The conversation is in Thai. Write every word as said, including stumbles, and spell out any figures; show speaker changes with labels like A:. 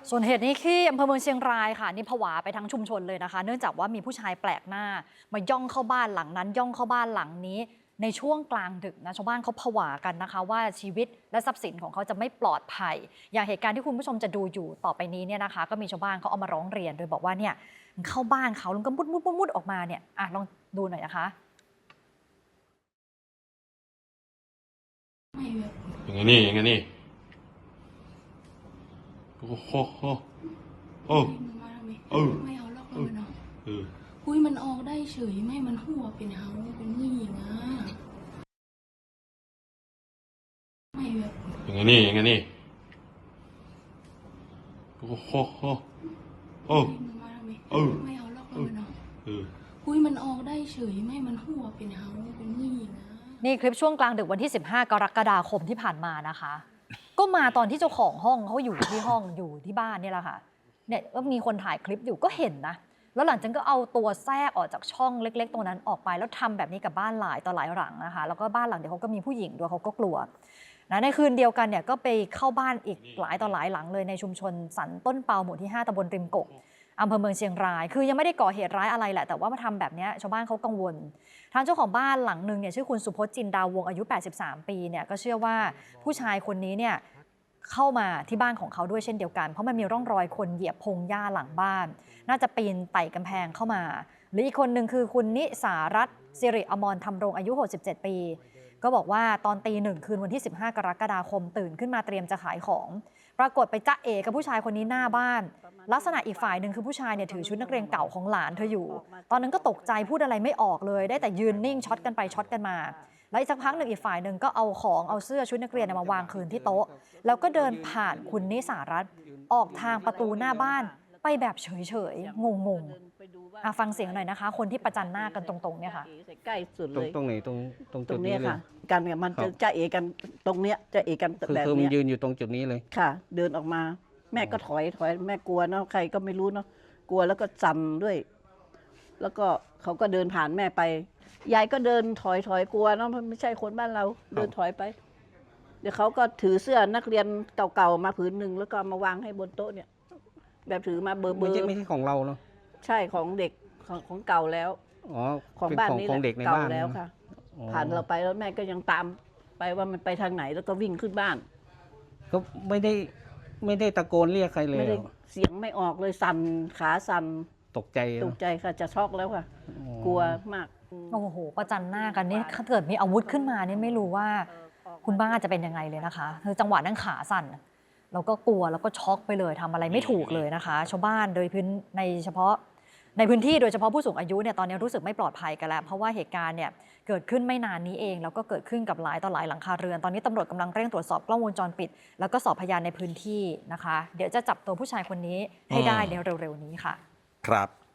A: ส่วนเหตุนี้ที่อำเภอเมืองเชียงรายค่ะนี่ผวาไปทั้งชุมชนเลยนะคะเนื่องจากว่ามีผู้ชายแปลกหน้ามาย่องเข้าบ้านหลังนั้นย่องเข้าบ้านหลังนี้ในช่วงกลางดึกนะชาวบ้านเขาผวากันนะคะว่าชีวิตและทรัพย์สินของเขาจะไม่ปลอดภัยอย่างเหตุการณ์ที่คุณผู้ชมจะดูอยู่ต่อไปนี้เนี่ยนะคะก็มีชาวบ้านเขาเอามาร้องเรียนโดยบอกว่าเนี่ยเข้าบ้านเขาแล้วก็มุดมุดมุดมุดออกมาเนี่ยอ่ะลองดูหน่อยนะคะ
B: อย่างนี้อย่างนี้โอ้โหโอ้โอ้
C: ไม่เอาล็อกเลยเนาะ
B: เออ
C: อุ้ยมันออกได้เฉยไม่มันหัวเป็นเฮาเป็นผู้หญิงอ่ะไม่แบบ
B: อย่างนี้อย่างนี้โอ้โหโอ้โอ้
C: ไม่เอาล็อกเลยเนาะ
B: เออ
C: อุ้ยมันออกได้เฉยไม่มันหัวเป็นเฮาเป็นผู้หญิงอ่ะ
A: นี่คลิปช่วงกลางดึกวันที่สิบห้ากรกฎาคมที่ผ่านมานะคะก็มาตอนที่เจ้าของห้องเขาอยู่ที่ห้องอยู่ที่บ้านนี่แหละค่ะเนี่ยก็มีคนถ่ายคลิปอยู่ก็เห็นนะแล้วหลังจากนั้นก็เอาตัวแทรกออกจากช่องเล็กๆตรงนั้นออกไปแล้วทำแบบนี้กับบ้านหลายต่อหลายหลังนะคะแล้วก็บ้านหลังเดียวเขาก็มีผู้หญิงด้วยเขาก็กลัวนะในคืนเดียวกันเนี่ยก็ไปเข้าบ้านอีกหลายต่อหลายหลังเลยในชุมชนสันต้นเปาหมู่ที่ห้าตำบลริมกกอำเภอเมืองเชียงรายคือยังไม่ได้ก่อเหตุร้ายอะไรแหละแต่ว่ามาทำแบบนี้ชาวบ้านเขากังวลทางเจ้าของบ้านหลังหนึ่งเนี่ยชื่อคุณสุพจน์จินดาวงอายุแปดสิบสามปีเนี่ยก็เชื่อว่าผู้ชายคนนี้เนี่ยเข้ามาที่บ้านของเขาด้วยเช่นเดียวกันเพราะมันมีร่องรอยคนเหยียบพงหญ้าหลังบ้านน่าจะปีนไต่กำแพงเข้ามาหรืออีกคนหนึ่งคือคุณนิสารัตน์สิริอมรธรรมรงอายุหกสิบเจ็ดปีก็บอกว่าตอนตีหนึ่งคืนวันที่สิบห้ากรกฎาคมตื่นขึ้นมาเตรียมจะขายของปรากฏไปจ๊ะเอกับผู้ชายคนนี้หน้าบ้านลักษณะอีกฝ่ายหนึ่งคือผู้ชายเนี่ยถือชุดนักเรียนเก่าของหลานเธออยู่ตอนนั้นก็ตกใจพูดอะไรไม่ออกเลยได้แต่ยืนนิ่งช็อตกันไปช็อตกันมาแล้วอีกสักพักหนึ่งอีกฝ่ายหนึ่งก็เอาของเอาเสื้อชุดนักเรียนมาวางคืนที่โต๊ะแล้วก็เดินผ่านคุณนิสารัตน์ออกทางประตูหน้าบ้านไปแบบเฉยๆงงๆฟังเสียงหน่อยนะคะคนที่ประจันหน้ากันตรงๆเนี่ยค่ะ
D: ใกล้สุดเลย
E: ตรงไหนตรงตรงจุด
D: นี้
E: ค่ะ
D: กันเนี่ยมันจะจะเอกันตรงเนี้ยจะเอกันแบบนี้
E: คือมันยืนอยู่ตรงจุดนี้เลย
D: ค่ะเดินออกมาแม่ก็ถอยถอยแม่กลัวเนาะใครก็ไม่รู้เนาะกลัวแล้วก็สั่นด้วย แล้วก็เขาก็เดินผ่านแม่ไปยายก็เดินถอยถอยกลัวเนาะมันไม่ใช่คนบ้านเราเดินถอยไปเดี๋ยวเขาก็ถือเสื้อนักเรียนเก่าๆมาผืนหนึ่งแล้วก็มาวางให้บนโต๊ะเนี่ยแบบถือมาเบอร์เบอร์
E: ไม่ใช่ของเราเนาะ
D: ใช่ของเด็กของของเก่าแล้ว
E: อ๋อ
D: ของบ้านนี้
E: ของเด็กในบ้าน
D: แล้วค่ะผ่านเราไปแล้วแม่ก็ยังตามไปว่ามันไปทางไหนแล้วก็วิ่งขึ้นบ้าน
E: ก็ไม่ได้ไม่ได้ตะโกนเรียกใครเลย
D: ไม่ได้เสียงไม่ออกเลยสั่นขาสั่น
E: ตกใจ
D: ตกใจค่ะจะช็อกแล้วค่ะกลัวมาก
A: โอ้โหประจันหน้ากันนี่ถ้าเกิดมีอาวุธขึ้นมานี่ไม่รู้ว่าคุณบ้าจะเป็นยังไงเลยนะคะคือจังหวะนั้นขาสั่นแล้วก็กลัวแล้วก็ช็อกไปเลยทำอะไรไม่ถูกเลยนะคะชาวบ้านโดยพื้นในเฉพาะในพื้นที่โดยเฉพาะผู้สูงอายุเนี่ยตอนนี้รู้สึกไม่ปลอดภัยกันแล้วเพราะว่าเหตุการณ์เนี่ยเกิดขึ้นไม่นานนี้เองแล้วก็เกิดขึ้นกับหลายต่อหลายหลังคาเรือนตอนนี้ตำรวจกำลังเร่งตรวจสอบกล้องวงจรปิดแล้วก็สอบพยานในพื้นที่นะคะเดี๋ยวจะจับตัวผู้ชายคนนี้ให้ได้ในเร็วๆนี้ค่ะ
B: ครับ